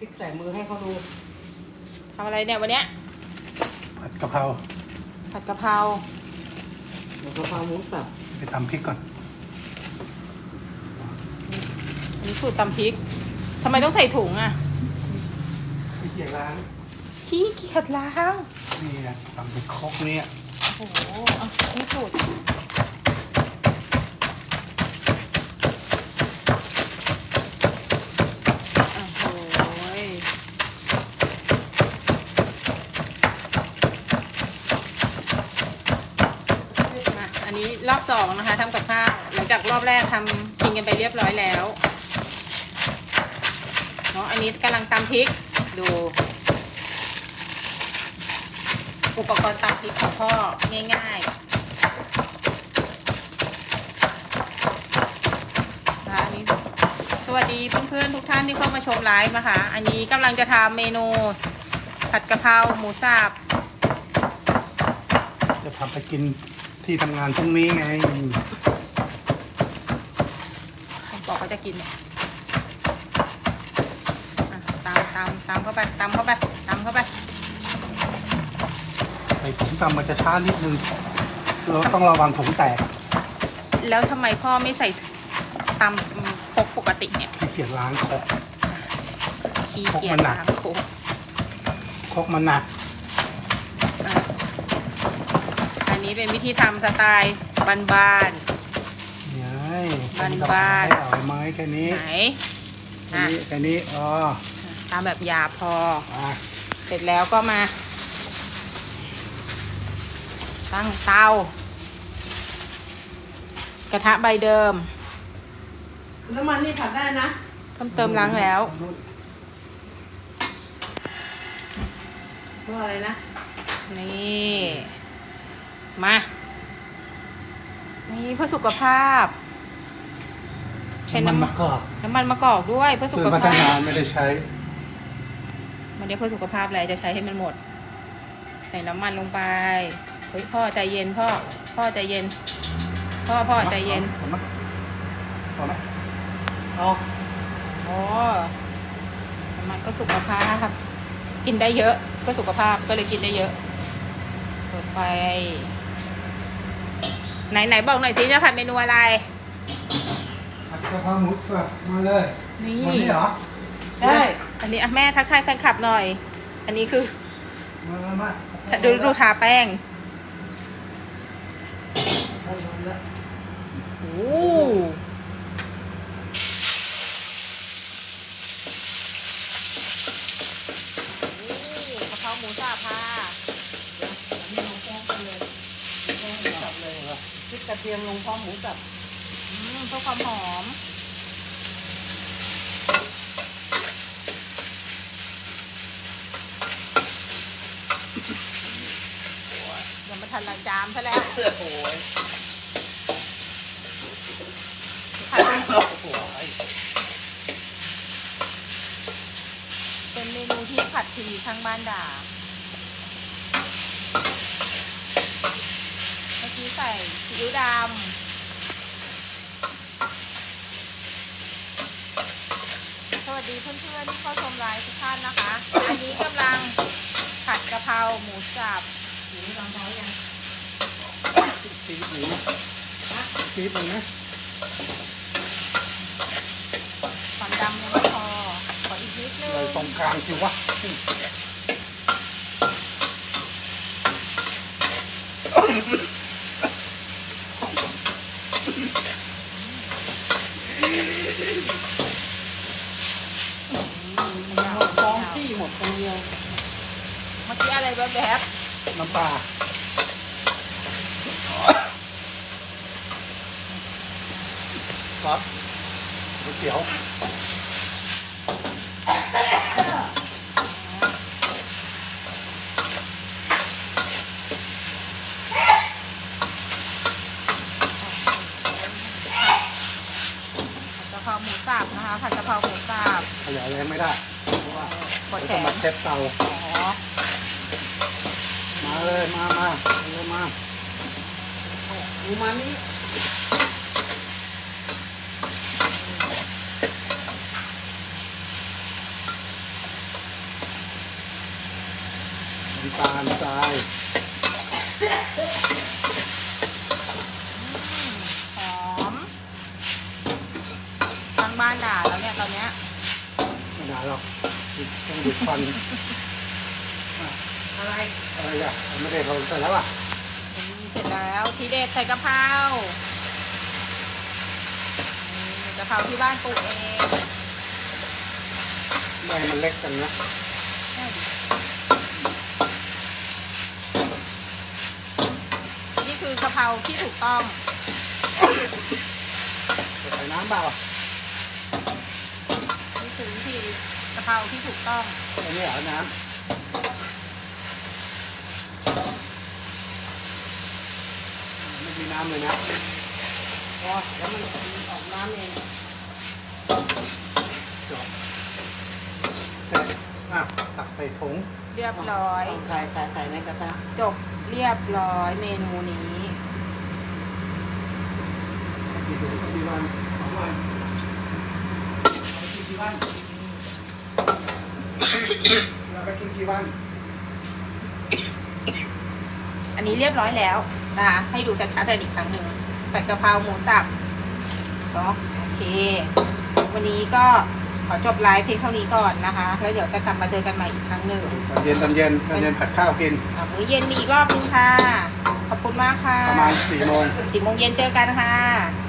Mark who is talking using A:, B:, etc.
A: ลิกใส่มือให้เขาดู
B: ทำอะไรเนี่ยวันเนี้ย
C: ผัดกะเพรา
B: ผัดกะเพรา
A: หมูกะเพราหมูสับ
C: ไปตำพริกก่อน
B: อันนี้สูตรตำพริกทำไมต้องใส่ถุงอ่ะ
C: ไม่เกี่ยล้าง
B: ขี้เกียจล้าง
C: นี่นะตำเป็นครกเนี่ย
B: โอ้โหอ่ะนี่สูตรโอ้โหยมาอันนี้รอบสองนะคะทำกับข้าวหลังจากรอบแรกทำกินกันไปเรียบร้อยแล้วเนาะอันนี้กำลังตำพริกดูอุปกรณ์ตำพริกของพ่อง่ายๆนะคะอันนี้สวัสดีเพื่อนๆทุกท่านที่เข้ามาชมไลฟ์นะคะ อันนี้กำลังจะทำเมนูผัดกะเพราหมูสับ
C: จะทำไปกินที่ทำงานพรุ่งนี้ไง
B: ผมบอกว่าจะกินเนี่ยอ่ะตำเข้าไปตำเข้าไปตำเข้าไป
C: ไอ้ผงตำมันจะช้านิดนึงเราต้องระวังผงแตก
B: แล้วทำไมพ่อไม่ใส่ตำครกปกติเนี่ย
C: ขี้เกียจล้างครก
B: ขี้เกียจ
C: ครกมันหนัก
B: ล้างครก
C: ครกมันหนัก
B: อ่ะอันนี้เป็นวิธีทำสไตล์บ้าน
C: เนี่ย
B: บ้านๆ
C: เอาไม้แค่นี้
B: ๆไหน
C: แค่นี้อ๋อ
B: ตามแบบหยาบพอ
C: อ่ะ
B: เสร็จแล้วก็มา ตั้งเตากระทะใบเดิม
A: น้ำมันนี่ผัดได้นะ
B: เพิ่มเติมล้างแล้ว
A: เพราะอะไรนะ
B: นี่มานี่เพื่อสุขภาพ ใช้
C: มัน
B: น้ำ
C: มะกอก
B: น้ำมันมะกอกด้วยเพื่อสุ
C: ซื้
B: ข
C: อมาตั้
B: ภาง
C: นา
B: พ
C: นไม่ได้ใช้
B: มันได้เพื่อสุขภาพอะไรจะใช้ให้มันหมด ใส่น้ำมันลงไปเฮ้ยพ่อใจเย็นพ่อใจเย็นพ่อใจเย็น
C: เอาไหมเอาไหมเอา
B: อ๋อน้ำมันก็สุขภาพกินได้เยอะก็สุขภาพก็เลยกินได้เยอะเปิดไฟไหนบอกหน่อยสิจะผัดเมนูอะไร
C: ผัดกะเพราหมูสับมาเลย
B: นี่
C: วันนี้เหรอ
A: ได้
B: อันนี้อ่ะแม่ทักทายแฟนคลับหน่อย อันนี้คือ
C: มา
B: ดูทาแป้ง โอ้กะเพราหมูสับค่ะ
A: พริกกระเทียมลงพร้อมหมูสับ
B: เพื่อความหอมยังไม่ทันละจามซะแล้ว
A: โอ้ย
B: ผัดเป็นเมนูที่ผัดทีทั้งบ้านด่า เมื่อกี้ใส่ซีอิ๊วดำ สวัสดีเพื่อนๆที่เข้าชมไลฟ์ทุกท่านนะคะ อันนี้กำลังผัดกะเพราหมูสับ
A: หมูลองท้อยยัง
C: ซีอิ๊วซีอิ๊วหนึ่งนะ
B: ความดำยังไม่พอ ขออีกนิดนึ
C: เลย
B: ง
C: ตรงกลางสิวะ
A: ท้องที่หมดคนเดียว
B: เมื่อกี้อะไรแบบ
C: น้ำปลาซอสก๋วยเตี๋ยว
B: ผัดกะเพราหมูสับนะคะ ผัดกะเพราหมูสับ
C: ขยายแรงไม่ได้เพราะว่า
B: ปวดแข
C: ต้อง
B: น
C: มาเช็ดเตา
B: อ๋อ
C: มาเลยมาเร็วมา
A: หมูมันนี่
B: ผ
C: หรอกต้องดูดควัน
A: อะไร
C: อะไรอ่ะไม่ได้เขาใส่แล้วอ่ะ
B: นี่เสร็จแล้วทีเด็ดใส่กะเพรานี่กะเพราที่บ้านปลูกเอง
C: ใบมันเล็กกันนะ
B: นี่คือกะเพราที่ถูกต้อง
C: ใส่น้ำเปล่า
B: นี่คือวิธีกะเพราที่ถูกต้อง
C: อันนี้เหรอน้ำไม่มีน้ำเลยนะ
A: พอแล้วมันออกน้ำเอง
C: จบแต่ตักใส่ถุง
B: เรียบร้อย
A: เอาใส่ในกระทะ
B: จบเรียบร้อยเมนูนี้
C: กี่ถุงกี่วัน2 วันเอาไปกินกี่วันเราไปกินกี่วัน
B: อันนี้เรียบร้อยแล้วนะคะให้ดูชัดๆเลยอีกครั้งหนึ่งผัดกะเพราหมูสับเนาะโอเค วันนี้ก็ขอจบไลฟ์เพียงเท่านี้ก่อนนะคะแล้วเดี๋ยวจะกลับมาเจอกันใหม่อีกครั้งหนึ่ง
C: ตอนเย็นผัดข้าวกิน
B: มื้อเย็นมีอีกรอบนึงค่ะ ขอบคุณมากค่ะ
C: ประมาณ4 โมง
B: 4 โมงเย็นเจอกันค่ะ